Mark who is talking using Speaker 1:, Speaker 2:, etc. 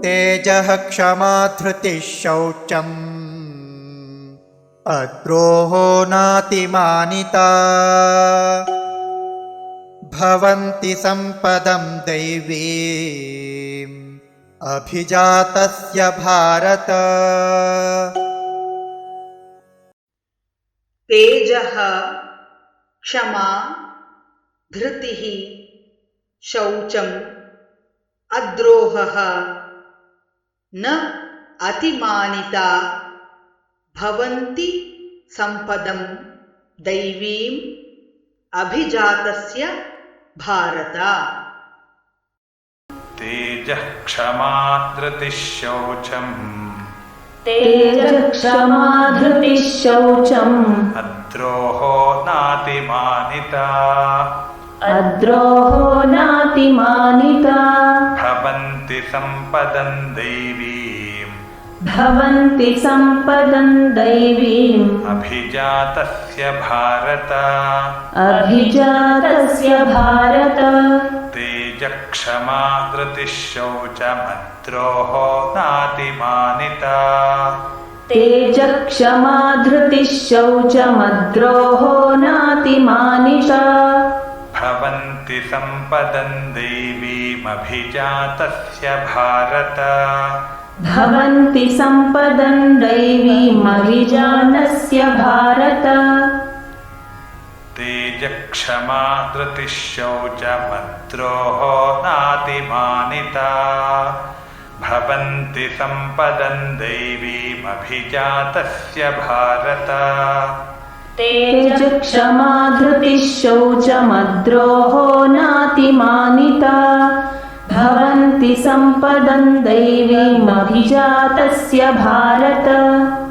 Speaker 1: तेजः क्षमा धृतिः शौचम् अद्रोहो नातिमानिता भवन्ति सम्पदं दैवीम् अभिजातस्य भारत।
Speaker 2: तेजः क्षमा धृतिः शौचम् अद्रोहः न अतिमानिता भवन्ति सम्पदं दैवीम् अभिजातस्य भारत।
Speaker 3: तेजः क्षमा धृतिः शौचम्
Speaker 4: तेजः क्षमा धृतिः शौचम्
Speaker 3: अद्रोहो नातिमानिता
Speaker 4: अद्रोहो नातिमानिता
Speaker 3: भवन्ति सम्पदं दैवीम्
Speaker 4: भवन्ति सम्पदं दैवीम्
Speaker 3: अभिजातस्य भारत।
Speaker 4: अभिजातस्य भारत।
Speaker 3: तेजः क्षमा धृतिः शौचमद्रोहो नातिमानिता
Speaker 4: तेजः क्षमा धृतिः शौचमद्रोहो नातिमानिता
Speaker 3: भवन्ति सम्पदं दैवीमभिजातस्य भारत।
Speaker 4: भवन्ति सम्पदं दैवीमभिजातस्य भारत।
Speaker 3: तेजः क्षमा धृतिः शौचमद्रोहो नातिमानिता भवन्ति सम्पदं दैवीमभिजातस्य भारत।
Speaker 4: तेजः क्षमा धृतिः शौचमद्रोहो नातिमानिता भवन्ति सम्पदं दैवीमभिजातस्य भारत।